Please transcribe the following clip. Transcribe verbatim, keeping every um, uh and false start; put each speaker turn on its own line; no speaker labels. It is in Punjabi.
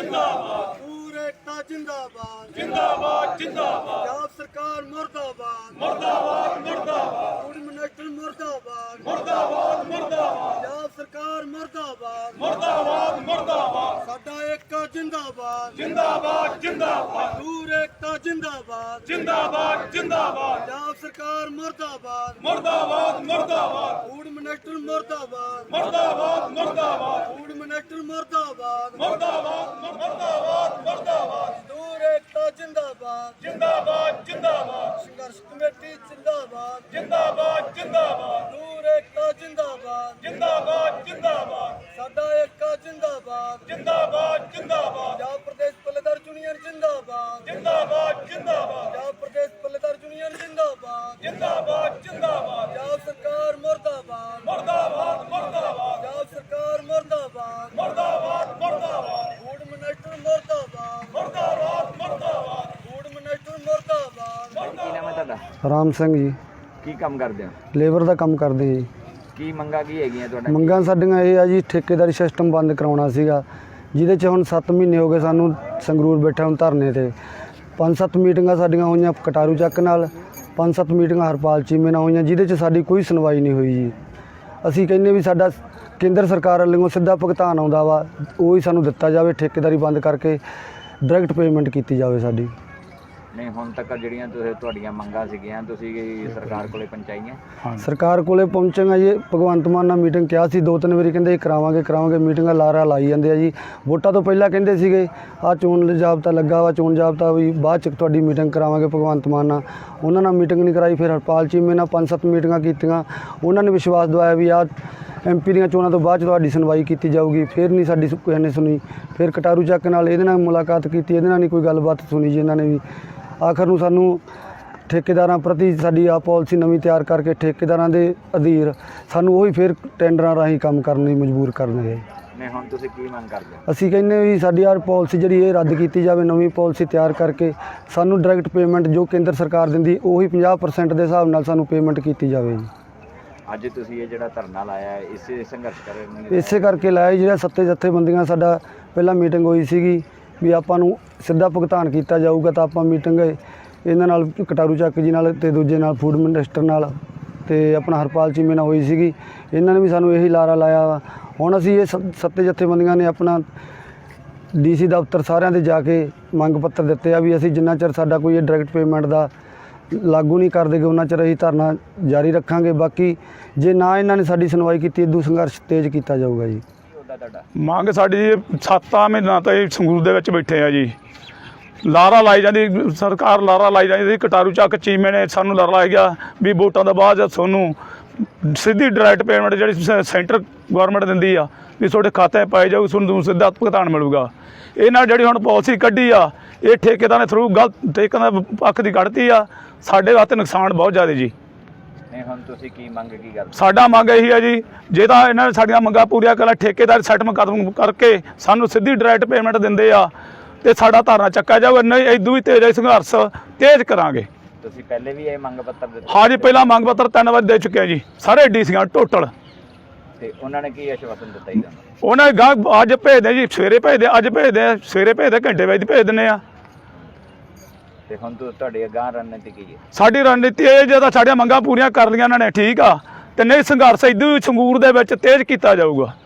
जिंदाबाद
पूरे एकता जिंदाबाद
जिंदाबाद जिंदाबाद
पंजाब सरकार मुर्दाबाद
मुर्दाबाद मुर्दाबाद
फूड मिनिस्टर मुर्दाबाद
मुर्दाबाद मुर्दाबाद
पंजाब सरकार मुर्दाबाद
मुर्दाबाद मुर्दाबाद
साडा एकता जिंदाबाद
जिंदाबाद जिंदाबाद
पूरे एकता जिंदाबाद
जिंदाबाद जिंदाबाद
पंजाब सरकार मुर्दाबाद
मुर्दाबाद मुर्दाबाद
फूड मिनिस्टर मुर्दाबाद
मुर्दाबाद मुर्दाबाद
फूड मिनिस्टर मुर्दाबाद
मुर्दाबाद मुर्दाबाद मुर्दाबाद
मजदूर एकता जिंदाबाद
जिंदाबाद जिंदाबाद
संघर्ष कमेटी जिंदाबाद
जिंदाबाद जिंदाबाद
मजदूर एकता जिंदाबाद
जिंदाबाद जिंदाबाद
साडा एकता जिंदाबाद
जिंदाबाद जिंदाबाद
पंजाब प्रदेश पल्लेदार यूनियन जिंदाबाद
जिंदाबाद जिंदाबाद
पंजाब प्रदेश पल्लेदार यूनियन जिंदाबाद
जिंदाबाद जिंदाबाद
पंजाब सरकार मुर्दाबाद
मुर्दाबाद मुर्दाबाद
पंजाब सरकार मुर्दाबाद
मुर्दाबाद मुर्दाबाद
फूड मिनिस्टर मुर्दाबाद
मुर्दाबाद मुर्दाबाद
फूड मिनिस्टर मुर्दाबाद
ਕੀ ਨਾਮ ਹੈ ਤੁਹਾਡਾ?
ਰਾਮ ਸਿੰਘ ਜੀ,
ਕੀ ਕੰਮ ਕਰਦੇ ਹੋ?
ਲੇਬਰ ਦਾ ਕੰਮ ਕਰਦੇ ਜੀ।
ਕੀ ਮੰਗਾਂ ਕੀ ਹੈਗੀਆਂ ਤੁਹਾਡਾ?
ਮੰਗਾਂ ਸਾਡੀਆਂ ਇਹ ਆ ਜੀ, ਠੇਕੇਦਾਰੀ ਸਿਸਟਮ ਬੰਦ ਕਰਾਉਣਾ ਸੀਗਾ, ਜਿਹਦੇ 'ਚ ਹੁਣ ਸੱਤ ਮਹੀਨੇ ਹੋ ਗਏ ਸਾਨੂੰ ਸੰਗਰੂਰ ਬੈਠੇ ਹੁਣ ਧਰਨੇ 'ਤੇ। ਪੰਜ ਸੱਤ ਮੀਟਿੰਗਾਂ ਸਾਡੀਆਂ ਹੋਈਆਂ ਕਟਾਰੂ ਚੱਕ ਨਾਲ, ਪੰਜ ਸੱਤ ਮੀਟਿੰਗਾਂ ਹਰਪਾਲ ਚੀਮੇ ਨਾਲ ਹੋਈਆਂ, ਜਿਹਦੇ 'ਚ ਸਾਡੀ ਕੋਈ ਸੁਣਵਾਈ ਨਹੀਂ ਹੋਈ ਜੀ। ਅਸੀਂ ਕਹਿੰਦੇ ਵੀ ਸਾਡਾ ਕੇਂਦਰ ਸਰਕਾਰ ਵੱਲੋਂ ਸਿੱਧਾ ਭੁਗਤਾਨ ਆਉਂਦਾ ਵਾ, ਉਹ ਹੀ ਸਾਨੂੰ ਦਿੱਤਾ ਜਾਵੇ, ਠੇਕੇਦਾਰੀ ਬੰਦ ਕਰਕੇ ਡਾਇਰੈਕਟ ਪੇਮੈਂਟ ਕੀਤੀ ਜਾਵੇ ਸਾਡੀ।
ਨਹੀਂ, ਹੁਣ ਤੱਕ ਜਿਹੜੀਆਂ ਤੁਸੀਂ ਤੁਹਾਡੀਆਂ ਮੰਗਾਂ ਸੀਗੀਆਂ ਤੁਸੀਂ ਸਰਕਾਰ ਕੋਲੇ ਪਹੁੰਚਾਈਆਂ?
ਸਰਕਾਰ ਕੋਲੇ ਪਹੁੰਚਾਂਗਾ ਜੀ, ਭਗਵੰਤ ਮਾਨ ਨਾਲ ਮੀਟਿੰਗ ਕਿਹਾ ਸੀ ਦੋ ਤਿੰਨ ਵਾਰੀ, ਕਹਿੰਦੇ ਕਰਾਵਾਂਗੇ ਕਰਾਵਾਂਗੇ ਮੀਟਿੰਗਾਂ ਲਾਰਾ ਲਾਈ ਜਾਂਦੇ ਆ ਜੀ। ਵੋਟਾਂ ਤੋਂ ਪਹਿਲਾਂ ਕਹਿੰਦੇ ਸੀਗੇ ਆਹ ਚੋਣ ਜਾਬਤਾ ਲੱਗਾ ਵਾ, ਚੋਣ ਜਾਬਤਾ ਵੀ ਬਾਅਦ 'ਚ ਤੁਹਾਡੀ ਮੀਟਿੰਗ ਕਰਾਵਾਂਗੇ ਭਗਵੰਤ ਮਾਨ ਨਾਲ, ਉਹਨਾਂ ਨਾਲ ਮੀਟਿੰਗ ਨਹੀਂ ਕਰਾਈ। ਫਿਰ ਹਰਪਾਲ ਚੀਮੇ ਨਾਲ ਪੰਜ ਸੱਤ ਮੀਟਿੰਗਾਂ ਕੀਤੀਆਂ, ਉਹਨਾਂ ਨੇ ਵਿਸ਼ਵਾਸ ਦਵਾਇਆ ਵੀ ਆਹ ਐਮ ਪੀ ਦੀਆਂ ਚੋਣਾਂ ਤੋਂ ਬਾਅਦ 'ਚ ਤੁਹਾਡੀ ਸੁਣਵਾਈ ਕੀਤੀ ਜਾਊਗੀ। ਫਿਰ ਨਹੀਂ ਸਾਡੀ ਕਿਸੇ ਨੇ ਸੁਣੀ। ਫਿਰ ਕਟਾਰੂ ਚੱਕ ਨਾਲ ਇਹਦੇ ਨਾਲ ਮੁਲਾਕਾਤ ਕੀਤੀ, ਇਹਦੇ ਨਾਲ ਨਹੀਂ ਕੋਈ ਗੱਲਬਾਤ ਸੁਣੀ ਜੀ ਇਹਨਾਂ ਨੇ ਵੀ। ਆਖਰ ਨੂੰ ਸਾਨੂੰ ਠੇਕੇਦਾਰਾਂ ਪ੍ਰਤੀ ਸਾਡੀ ਆ ਪਾਲਿਸੀ ਨਵੀਂ ਤਿਆਰ ਕਰਕੇ ਠੇਕੇਦਾਰਾਂ ਦੇ ਅਧੀਨ ਸਾਨੂੰ ਉਹੀ ਫਿਰ ਟੈਂਡਰਾਂ ਰਾਹੀਂ ਕੰਮ ਕਰਨ ਲਈ ਮਜਬੂਰ ਕਰਨਗੇ।
ਨਹੀਂ, ਹੁਣ ਤੁਸੀਂ ਕੀ ਮੰਗ ਕਰਦੇ ਹੋ?
ਅਸੀਂ ਕਹਿੰਦੇ ਵੀ ਸਾਡੀ ਆ ਪਾਲਿਸੀ ਜਿਹੜੀ ਇਹ ਰੱਦ ਕੀਤੀ ਜਾਵੇ, ਨਵੀਂ ਪਾਲਿਸੀ ਤਿਆਰ ਕਰਕੇ ਸਾਨੂੰ ਡਾਇਰੈਕਟ ਪੇਮੈਂਟ ਜੋ ਕੇਂਦਰ ਸਰਕਾਰ ਦਿੰਦੀ ਉਹੀ ਪੰਜਾਹ ਪਰਸੈਂਟ ਦੇ ਹਿਸਾਬ ਨਾਲ ਸਾਨੂੰ ਪੇਮੈਂਟ ਕੀਤੀ ਜਾਵੇ ਜੀ।
ਅੱਜ ਤੁਸੀਂ ਇਹ ਜਿਹੜਾ ਧਰਨਾ ਲਾਇਆ ਹੈ ਇਸੇ ਸੰਘਰਸ਼ ਕਰਨ ਲਈ
ਇਸੇ ਕਰਕੇ ਲਾਇਆ, ਜਿਹੜਾ ਸੱਤੇ ਜਥੇਬੰਦੀਆਂ ਸਾਡਾ ਪਹਿਲਾਂ ਮੀਟਿੰਗ ਹੋਈ ਸੀਗੀ ਵੀ ਆਪਾਂ ਨੂੰ ਸਿੱਧਾ ਭੁਗਤਾਨ ਕੀਤਾ ਜਾਊਗਾ, ਤਾਂ ਆਪਾਂ ਮੀਟਿੰਗ ਇਹਨਾਂ ਨਾਲ ਕਟਾਰੂ ਚੱਕ ਜੀ ਨਾਲ ਅਤੇ ਦੂਜੇ ਨਾਲ ਫੂਡ ਮਿਨਿਸਟਰ ਨਾਲ ਅਤੇ ਆਪਣਾ ਹਰਪਾਲ ਚੀਮੇ ਨਾਲ ਹੋਈ ਸੀਗੀ। ਇਹਨਾਂ ਨੇ ਵੀ ਸਾਨੂੰ ਇਹੀ ਲਾਰਾ ਲਾਇਆ ਵਾ। ਹੁਣ ਅਸੀਂ ਇਹ ਸ ਸੱਤੇ ਜਥੇਬੰਦੀਆਂ ਨੇ ਆਪਣਾ ਡੀ ਸੀ ਦਫ਼ਤਰ ਸਾਰਿਆਂ ਦੇ ਜਾ ਕੇ ਮੰਗ ਪੱਤਰ ਦਿੱਤੇ ਆ ਵੀ ਅਸੀਂ ਜਿੰਨਾ ਚਿਰ ਸਾਡਾ ਕੋਈ ਇਹ ਡਾਇਰੈਕਟ ਪੇਮੈਂਟ ਦਾ ਲਾਗੂ ਨਹੀਂ ਕਰ ਦੇਗੇ ਉਹਨਾਂ ਚਿਰ ਅਸੀਂ ਧਰਨਾ ਜਾਰੀ ਰੱਖਾਂਗੇ। ਬਾਕੀ ਜੇ ਨਾ ਇਹਨਾਂ ਨੇ ਸਾਡੀ ਸੁਣਵਾਈ ਕੀਤੀ, ਇਦੋਂ ਸੰਘਰਸ਼ ਤੇਜ਼ ਕੀਤਾ ਜਾਊਗਾ ਜੀ।
ਤੁਹਾਡਾ
ਮੰਗ ਸਾਡੀ ਸੱਤਾਂ ਮਹੀਨਾ ਤੋਂ ਇਹ ਸੰਗਰੂਰ ਦੇ ਵਿੱਚ ਬੈਠੇ ਆ ਜੀ। ਲਾਰਾ ਲਾਈ ਜਾਂਦੀ ਸਰਕਾਰ, ਲਾਰਾ ਲਾਈ ਜਾਂਦੀ। ਕਟਾਰੂ ਚੱਕ ਚੀਮੇ ਨੇ ਸਾਨੂੰ ਲਾਰਾ ਲਾਇਆ ਗਿਆ ਵੀ ਵੋਟਾਂ ਤੋਂ ਬਾਅਦ ਤੁਹਾਨੂੰ ਸਿੱਧੀ ਡਾਇਰੈਕਟ ਪੇਮੈਂਟ ਜਿਹੜੀ ਸੈਂਟਰ ਗੌਰਮੈਂਟ ਦਿੰਦੀ ਆ ਵੀ ਤੁਹਾਡੇ ਖਾਤੇ ਪਾਈ ਜਾਊ, ਤੁਹਾਨੂੰ ਸਿੱਧਾ ਭੁਗਤਾਨ ਮਿਲੂਗਾ। ਇਹਨਾਂ ਜਿਹੜੀ ਹੁਣ ਪਾਲਿਸੀ ਕੱਢੀ ਆ ਇਹ ਠੇਕੇਦਾਰਾਂ ਦੇ ਥਰੂ ਗਲਤ ਠੇਕਿਆਂ ਦਾ ਪੱਖ ਦੀ ਕੱਢਤੀ ਆ, ਸਾਡੇ ਵਾਸਤੇ ਨੁਕਸਾਨ ਬਹੁਤ ਜ਼ਿਆਦਾ ਜੀ।
ਨਹੀਂ, ਹੁਣ ਤੁਸੀਂ ਕੀ ਮੰਗ ਕੀ ਕਰਦੇ?
ਸਾਡਾ ਮੰਗ ਇਹੀ ਹੈ ਜੀ, ਜੇ ਤਾਂ ਇਹਨਾਂ ਨੇ ਸਾਡੀਆਂ ਮੰਗਾਂ ਪੂਰੀਆਂ ਕਰ ਠੇਕੇਦਾਰ ਸੈਟਲਮੈਂਟ ਖਤਮ ਕਰਕੇ ਸਾਨੂੰ ਸਿੱਧੀ ਡਾਇਰੈਕਟ ਪੇਮੈਂਟ ਦਿੰਦੇ ਆ ਤੇ ਸਾਡਾ ਧਰਨਾ ਚੱਕਾ ਜਾਊਗਾ, ਨਹੀਂ ਇਦੋਂ ਵੀ ਤੇਜ਼ ਸੰਘਰਸ਼ ਤੇਜ਼ ਕਰਾਂਗੇ।
ਤੁਸੀਂ ਪਹਿਲੇ ਵੀ ਇਹ ਮੰਗ ਪੱਤਰ ਦਿੱਤੇ?
ਹਾਂ ਜੀ, ਪਹਿਲਾਂ ਮੰਗ ਪੱਤਰ ਤਿੰਨ ਵਾਰ ਦੇ ਚੁੱਕੇ ਆ ਜੀ, ਸਾਰੇ ਡੀ ਸੀਆਂ ਟੋਟਲ।
ਤੇ ਉਹਨਾਂ ਨੇ ਕੀ ਆਸ਼ਵਾਸਨ ਦਿੱਤਾ ਜੀ?
ਉਹਨਾਂ ਨੇ ਗਾਂ ਅੱਜ ਭੇਜਦੇ ਜੀ, ਸਵੇਰੇ ਭੇਜਦੇ, ਅੱਜ ਭੇਜਦੇ, ਸਵੇਰੇ ਭੇਜਦੇ, ਘੰਟੇ ਵਿੱਚ ਭੇਜ ਦਿੰਦੇ ਆ।
ਤੇ ਹੁਣ ਤੁਹਾਡੀ ਅਗਾਂਹ ਰਣਨੀਤੀ ਕੀ ਹੈ?
ਸਾਡੀ ਰਣਨੀਤੀ ਇਹ ਜਦੋਂ ਸਾਡੀਆਂ ਮੰਗਾਂ ਪੂਰੀਆਂ ਕਰ ਲਈਆਂ ਇਹਨਾਂ ਨੇ ਠੀਕ ਆ, ਤੇ ਨਹੀਂ ਸੰਘਰਸ਼ ਇਦੋਂ ਵੀ ਸੰਗਰੂਰ ਦੇ ਵਿੱਚ ਤੇਜ਼ ਕੀਤਾ ਜਾਊਗਾ।